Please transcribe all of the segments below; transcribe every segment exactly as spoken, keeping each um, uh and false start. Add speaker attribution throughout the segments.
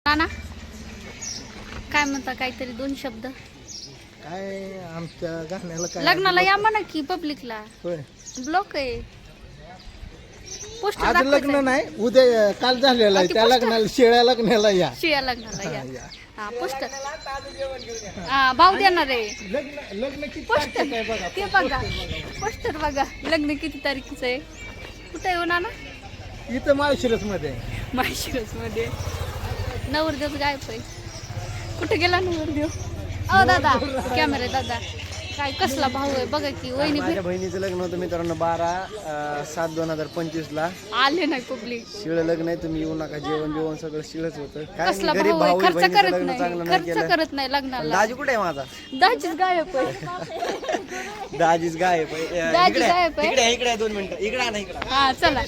Speaker 1: ना काय म्हणता काहीतरी दोन शब्द
Speaker 2: काय आमच्या गाण्याला काय
Speaker 1: लग्नाला या म्हणा की पब्लिकला
Speaker 2: होय
Speaker 1: ब्लॉक आहे पोस्टर
Speaker 2: आज लग्न नाही उद्या काल झालेलं आहे त्या लग्नाला शेळ्या लग्नाला या
Speaker 1: शिया लग्नाला या
Speaker 2: या.
Speaker 1: हा पोस्टर हा भाऊ देणार आहे
Speaker 2: लग्न लग्न किती
Speaker 1: पोस्टर
Speaker 2: तारखेचं आहे बघा
Speaker 1: ते बघा पोस्टर बघा लग्न किती तारखेचं आहे कुठे येऊ ना
Speaker 2: इथं माळशिरस मध्ये
Speaker 1: माळशिरस मध्ये नवरदेव गायब आहे कुठे गेला नवरदेव अ दादा कॅमेरा दादा काय कसला भाऊ आहे बघा की वहिनी
Speaker 2: माझ्या बहिणीचं लग्न होतं मित्रांनो बारा अं, सात दोन हजार पंचवीस ला
Speaker 1: आले नाही पब्लिक
Speaker 2: शिळ लग्न आहे तुम्ही येऊ नका जेवण जेवण सगळं शिळच होतं काय
Speaker 1: कसला
Speaker 2: गरीब
Speaker 1: भाऊ आहे
Speaker 2: भाऊ आहे,
Speaker 1: खर्च
Speaker 2: बहिणीचं
Speaker 1: करत
Speaker 2: लग्न
Speaker 1: नाही
Speaker 2: चांगलं नाही
Speaker 1: खर्च
Speaker 2: केलं
Speaker 1: करत नाही लग्नाला
Speaker 2: दाजी कुठे आहे माझा
Speaker 1: दाजीच गायब आहे
Speaker 2: दाजीच गायब आहे. अं,
Speaker 1: दाजी
Speaker 2: इकडे आहे,
Speaker 1: गायब आहे?
Speaker 2: इकडे आहे, इकडे आहे, दोन मिनिटं इकडे आहे ना इकडे
Speaker 1: हा चला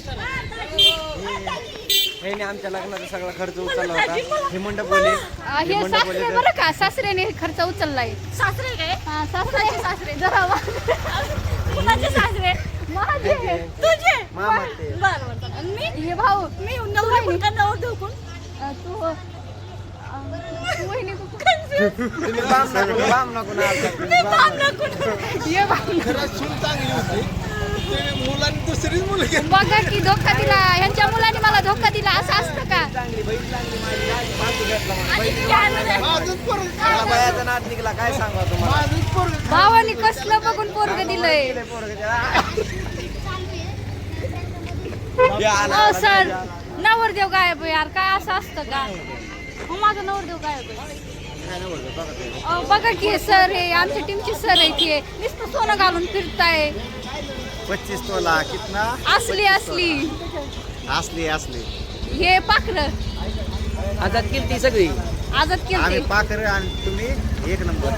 Speaker 2: ह्याने आमच्या लग्नाचा सगळा खर्च उचलला होता हे मंडप बोले
Speaker 1: आ, हे सासरे बरं का सासऱ्याने खर्च उचललाय
Speaker 3: सासरे काय
Speaker 1: हा सासरे सासरे जरा
Speaker 3: कुणाचे सासरे
Speaker 1: माझे
Speaker 3: तुझे
Speaker 2: मामा ते
Speaker 3: बर बर आणि मी
Speaker 1: हे भाऊ
Speaker 3: मी नवरा कोण का नवर देऊ कोण
Speaker 1: अ, तू अ, तू वहिनी तू
Speaker 2: तुम्ही बाम नको बाम नको ना आलता तुम्ही बाम नको.
Speaker 1: ये भाऊ
Speaker 2: खरंच सून चांगली होती ते मुलांनी दुसरीच मुलगी
Speaker 1: बघा की धोका दिला ह्यांच्या मुलांनी मला धोका दिला असं असतं का
Speaker 2: चांगली बहीण चांगली माझी माझी माणसं भेटला मला.
Speaker 3: आणि
Speaker 2: बहीण
Speaker 3: किती आनंद आहे.
Speaker 2: माझंच पोरगं मला बायाचा नाद निघाला काय सांगा तुम्हाला माझंच पोरगं
Speaker 1: भावानी कसलं बघून पोरग दिलंय
Speaker 2: दिलंय पोरगं त्याला. या आला,
Speaker 1: हो
Speaker 2: आला,
Speaker 1: सर
Speaker 2: या आला.
Speaker 1: नवरदेव गायब आहे यार काय असं असतं का हो माझा नवरदेव गायब आहे
Speaker 2: काय नाही बोलतो, बघा ते.
Speaker 1: अहो, बघा की सर हे आमच्या टीमचे सर आहे की नुसतं सोनं घालून फिरताय
Speaker 2: पच्चीस तोला कितना
Speaker 1: असली असली
Speaker 2: असली असली
Speaker 1: हे पाखर
Speaker 2: आता किती सगळी
Speaker 1: आजच
Speaker 2: आम्ही
Speaker 1: केलते
Speaker 2: पाकर आणि तुम्ही एक नंबर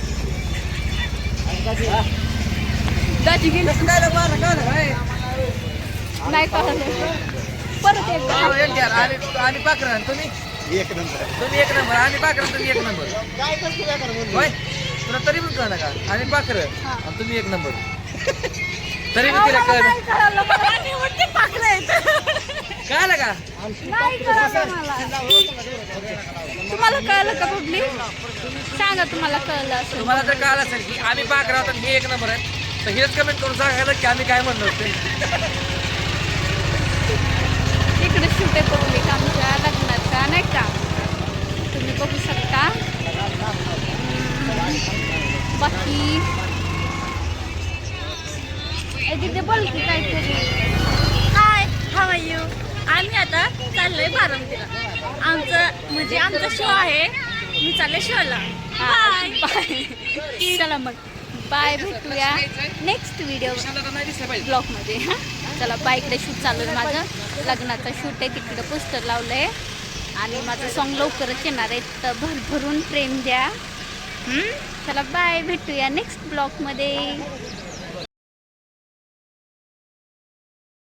Speaker 1: दाजी गेली नाही कळलं परत एकदा
Speaker 4: आम्ही पाखरा तुम्ही
Speaker 2: एक नंबर
Speaker 4: तुम्ही एक नंबर आम्ही पाखरा तुम्ही एक नंबर
Speaker 2: काय कसं काय करणार
Speaker 4: होय तुला तरी पण कळलं का आम्ही पाखर
Speaker 1: हा.
Speaker 4: आणि तुम्ही एक नंबर तरी पण
Speaker 1: अहो,
Speaker 4: तिला
Speaker 1: मला
Speaker 4: कळलं
Speaker 1: नाही कळलं, मला
Speaker 3: आणि वरती पाखरं आहेत.
Speaker 4: कळलं का
Speaker 1: नाही कळलं मला तुम्हाला कळलं का पब्लिक सांगा तुम्हाला कळलं असेल
Speaker 4: तुम्हाला तर कळलं असेल की आम्ही पाखरा होतो आणि हे एक नंबर आहे तर हेच कमेंट करून सांगायला की आम्ही काय म्हणलो होते
Speaker 1: इकडे शूट आहे पब्लिक आमच्या लग्नाचा नाही का तुम्ही बघू शकता हम्म, बाकी ए, तिथे बोल की काहीतरी
Speaker 3: हाय हाव आर यू आम्ही आता चाललोय बारामतीला आमचं म्हणजे आमचा शो आहे मी चालले शोला
Speaker 1: बाय बाय चला मग बाय भेटूया नेक्स्ट व्हिडिओ ब्लॉगमध्ये हां चला बाईकडे शूट चालू आहे माझं लग्नाचं शूट आहे तिकडे पोस्टर लावलं आहे आणि माझं सॉन्ग लवकरच येणार आहे तर भरभरून प्रेम द्या हं? चला बाय भेटूया नेक्स्ट ब्लॉगमध्ये